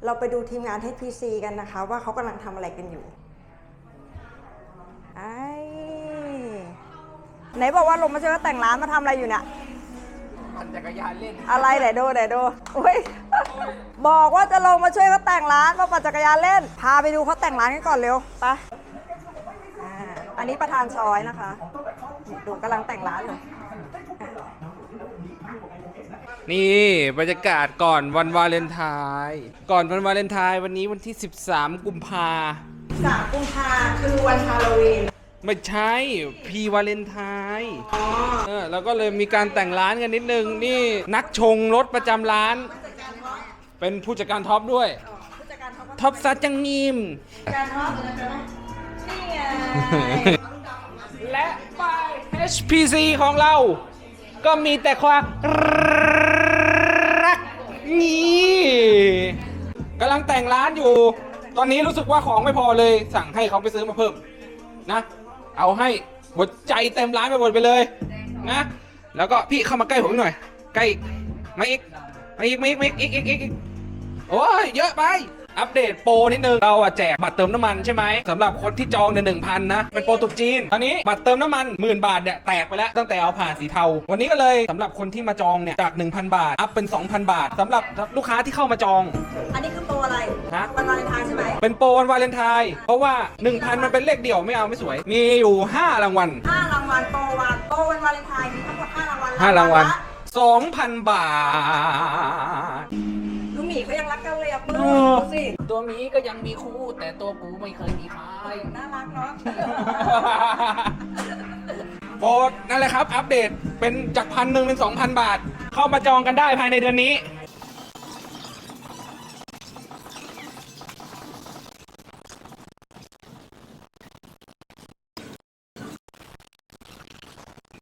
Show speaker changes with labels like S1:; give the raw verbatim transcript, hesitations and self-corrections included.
S1: เราไปดูทีมงาน เอช พี ซี กันนะคะว่าเขากำลังทำอะไรกันอยู่ไอ้ไหนบอกว่าลงมาช่วยเขาแต่งร้านมาทำอะไรอยู่เนี่ย
S2: ปั่นจักรยานเล่น
S1: อะไรไหนดูไหนดูอุ้ยบอกว่าจะลงมาช่วยเขาแต่งร้านมาปั่นจักรยานเล่นพาไปดูเขาแต่งร้านกันก่อนเร็วไปอ่าอันนี้ประธานซอยนะคะดูกำลังแต่งร้านเลย
S2: นี่บรรยากาศก่อนวันวาเลนไทน์ก่อนวันวาเลนไทน์วันนี้วันที่สิบสามกุมภา
S1: สามกุมภาคือวันฮาโลวีน
S2: ไม่ใช่พีวาเลนไทน์เออแล้วก็เลยมีการแต่งร้านกันนิดนึงนี่นักชงรถประจำร้านเป็นผู้จัดการท็อปด้วยท็อปซัดจังนิม
S1: การท็อปนี่ไง
S2: และป้าย เอช พี ซี ของเราก็มีแต่ความรักนี่กำลังแต่งร้านอยู่ตอนนี้รู้สึกว่าของไม่พอเลยสั่งให้เขาไปซื้อมาเพิ่มนะเอาให้หัวใจเต็มร้านไปหมดไปเลยนะแล้วก็พี่เข้ามาใกล้ผมหน่อยใกล้มาอีกมาอีกมาอีกมาอีกอีกอีกอีกโอ้ยเยอะไปอัปเดตโปรนิดนึงเราอะแจกบัตรเติมน้ำมันใช่ไหมสำหรับคนที่จองเนี่ยหนึ่งพันนะเป็นโปรตุจีนตอนนี้บัตรเติมน้ำมันหมื่นบาทเนี่ยแตกไปแล้วตั้งแต่เอาผ่านสีเทาวันนี้ก็เลยสำหรับคนที่มาจองเนี่ยจาก หนึ่งพัน บาทอัพเป็น สองพัน บาทสำหรับลูกค้าที่เข้ามาจอง
S1: อันนี้คือโปรอะไร
S2: ฮะ
S1: วันวาเลนไทน์ใช่ไหม
S2: เป็นโปรวันวาเลนไทน์เพราะว่า หนึ่งพัน มันเป็นเลขเดี่ยวไม่เอาไม่สวยมีอยู่ห้ารางวัล
S1: ห้ารางวัลโปรวันโปรวันวาเลนไทน์มีทั้งหมดห้ารางวัล
S2: ห้ารางวัล สองพัน บาท
S1: ลูกหมีเขายังรักกันเลยอ่ะเปิ้ลดูสิ
S2: ตัวหมีก็ยังมีคู่แต่ตัวกูไม่เคยมีใคร
S1: น่ารักเนาะ
S2: โปรนั่นแหละครับอัปเดตเป็นจากพันหนึ่งเป็น สองพัน บาทเข้ามาจองกันได้ภายในเดือนนี้